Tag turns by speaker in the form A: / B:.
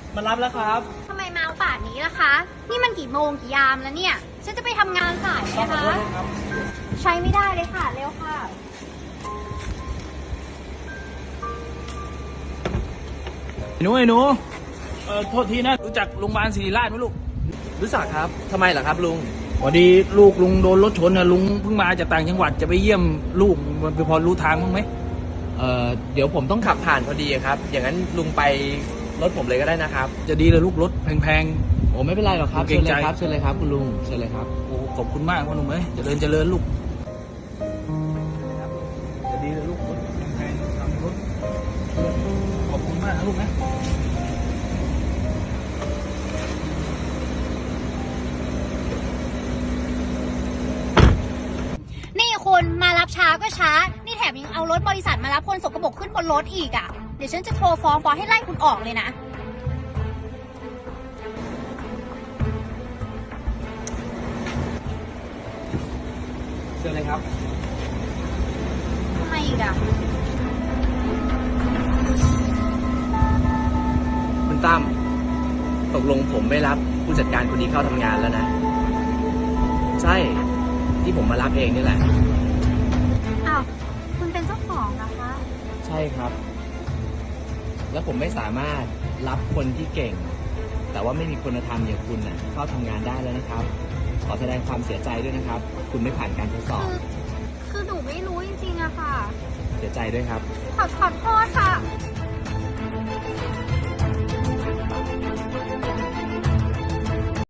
A: มารับแล้วครับ
B: ทำไมมาเอาป่านนี้ล่ะคะ นี่มันกี่โมงกี่ยามแล้วเนี่ย ฉันจะไปทำงานสายนะคะ ใช้ไม่ได้เลยค่ะ เร็วค่ะ
A: ไอ้หนูโทษทีนะรู้จักโรงพยาบาลศิริราชไหมลูก
C: รู้จักครับทำไมเหรอครับลุง
A: พอดีลูกลุงโดนรถชนนะลุงเพิ่งมาจากต่างจังหวัดจะไปเยี่ยมลูกมันพอรู้ทางบ้างไหม
C: เดี๋ยวผมต้องขับผ่านพอดีครับอย่างนั้นลุงไปรถผมเลยก็ได้นะครับ
A: จะดีเลยลูกรถแพง
C: โอ้ไม่เป็นไรหรอกครับ
A: เกร
C: เชิ
A: ง
C: ญ
A: ใจ
C: เลยครับเชิญเลยครับคุณลุงเชิญเลยครับ
A: ๆโอ้ขอบคุณมากพ่อหนุ่มเจริญลูกจะดีเลยลูกรถแพงๆทำรถขอบคุณมากนะลูกนะ
B: นี่คุณมารับช้าก็ช้า นี่แถมยังเอารถบริษัทมารับคนสกปรกขึ้นบนรถอีกอ่ะ เดี๋ยวฉันจะโทรฟ้องบอสให้ไล่คุณออกเลยนะ
C: เชิญเลยครับ
B: ทำไมอีกอ่ะ
C: คุณตั้มตกลงผมไม่รับผู้จัดการคนนี้เข้าทำงานแล้วนะใช่ที่ผมมารับเองนี่แหละ
B: อ้าว คุณเป็นเจ้าของนะคะ
C: ใช่ครับ แล้วผมไม่สามารถรับคนที่เก่ง แต่ว่าไม่มีคุณธรรมอย่างคุณน่ะเข้าทำงานได้แล้วนะครับ ขอแสดงความเสียใจด้วยนะครับ คุณไม่ผ่านการทดสอบ
B: คือหนูไม่รู้จริงๆอะค่ะ
C: เสียใจด้วยครับ
B: ขอโทษค่ะ